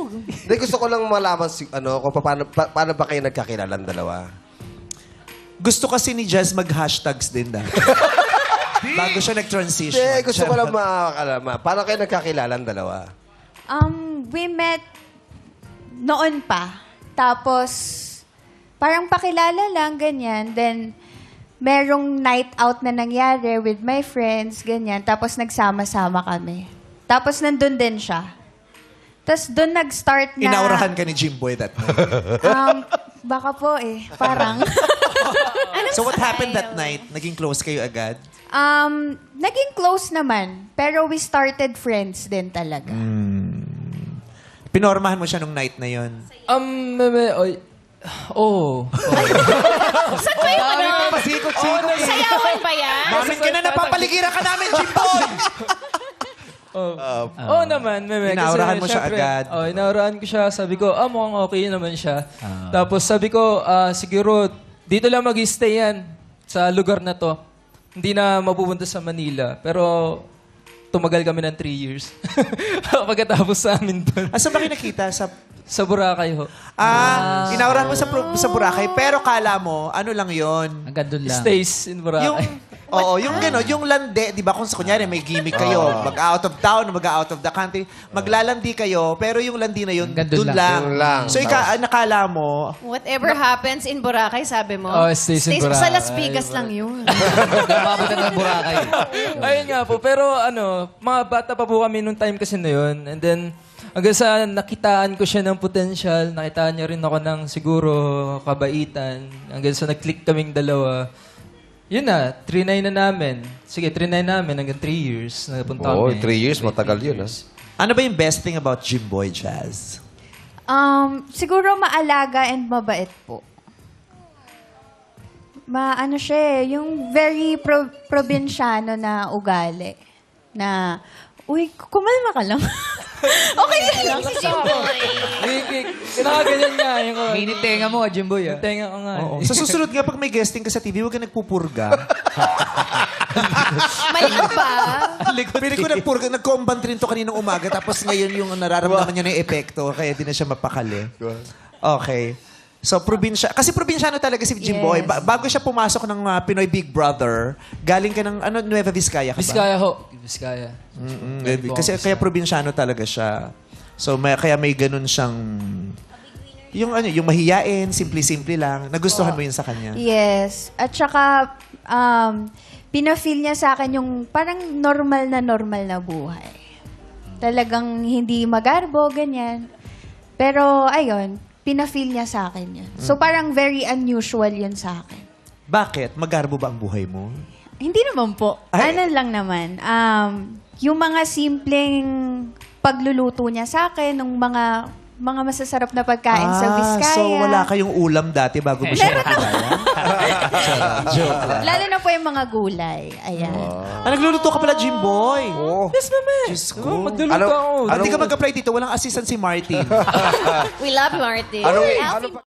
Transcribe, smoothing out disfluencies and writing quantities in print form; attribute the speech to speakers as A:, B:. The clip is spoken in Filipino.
A: Hindi, gusto ko lang malaman kung paano ba kayo nagkakilalan dalawa.
B: Gusto kasi ni Jazz mag-hashtags din dahil. Bago siya nag-transition.
A: Hindi, gusto ko lang makakalaman. Paano kayo nagkakilalan dalawa?
C: We met noon pa. Tapos, parang pakilala lang, ganyan. Then, merong night out na nangyari with my friends, ganyan. Tapos, nagsama-sama kami. Tapos, nandun din siya. Tapos, doon nag-start na...
B: Inaurahan ka ni Jimboy that night.
C: Baka po eh. Parang.
B: So what happened that night? Naging close kayo agad?
C: Naging close naman. Pero we started friends din talaga.
B: Pinormahan mo siya nung night na yon.
D: Saan ba yung ano?
B: Pasikot-sikot.
D: Sayawan ba yan?
B: Mamin ka na, napapaligiran ka namin, Jimboy!
E: Oo naman, meme.
B: Inaurahan mo siya
E: syempre,
B: agad.
E: Inaurahan ko siya. Sabi ko, mukhang okay naman siya. Tapos sabi ko, siguro, dito lang mag-stay yan sa lugar na to. Hindi na mapupunta sa Manila. Pero, tumagal kami ng 3 years. Pagkatapos sa amin doon.
B: Saan ba kayo nakita?
E: Sa Boracay ho.
B: Inaurahan mo sa Boracay, pero kala mo, ano lang yon?
F: Hanggang doon lang.
E: Stays in Boracay.
B: Yung gano'n, yung lande, di ba kung kunyari may gimmick kayo, mag-out of town, mag-out of the country, maglalandi kayo, pero yung landi na yun,
F: Hanggang
B: doon
F: doon
B: lang.
A: Doon lang.
B: So, nakala mo,
D: Whatever happens in Boracay, sabi mo.
E: Stays in
D: Sa
E: Boracay.
D: Las Vegas lang yun.
F: Nababutan ng Boracay.
E: Ayun nga po. Pero mga bata pa po kami nung time kasi na yun. And then, hanggang sa nakitaan ko siya ng potential, nakitaan niya rin ako ng siguro kabaitan. Hanggang sa nag-click kaming dalawa. Yun na, 3-9 na namin. Sige, 3-9 namin hanggang 3 years. Napunta kami.
A: 3 years, matagal yun.
B: ano ba yung best thing about Jimboy Jazz?
C: Siguro maalaga and mabait po. Ano siya eh, yung very probinsyano na ugali. Na, uy, kumalma ka lang. Okay lang si Jimboy.
E: Kinakaganyan nga. Yung,
F: Minit tenga mo, Jimboy.
E: yung tenga ko nga.
B: Oo. Sa susunod nga, pag may guesting ka sa TV, huwag ka nagpupurga.
D: Malikot ba?
B: Pili ko nagko-umbant rin to kaninang umaga, tapos ngayon yung nararamdaman niya na yung epekto, kaya di na siya mapakali. Okay. So, kasi probinsyano talaga si Jimboy.
C: Yes.
B: Bago siya pumasok ng Pinoy Big Brother, galing ka ng, Nueva Vizcaya ka ba?
E: Biskaya ho. Biskaya.
B: Kasi kaya probinsyano talaga siya. So, kaya may ganun siyang, yung mahiyain, simple-simple lang. Nagustuhan mo yun sa kanya?
C: Yes. At saka, pina-feel niya sa akin yung parang normal na buhay. Talagang hindi magarbo, ganyan. Pero, ayun, pina-feel niya sa akin yun. So, parang very unusual yun sa akin.
B: Bakit? Magarbo ba ang buhay mo?
C: Hindi naman po.
B: Ay.
C: Ano lang naman. Yung mga simpleng pagluluto niya sa akin, ng mga masasarap na pagkain sa Vizcaya.
B: So wala kayong ulam dati bago mo siya nakilala? Joke lang.
C: Lalo na po yung mga gulay. Ayan.
B: Nagluluto ka pala, Jimboy?
A: Oo.
B: Yes, mama. Diyos ko.
E: Magluluto
A: Ano-
E: ako.
B: Hindi ka mag-apply dito, walang assistant si Martin.
D: We love Martin.
A: Anong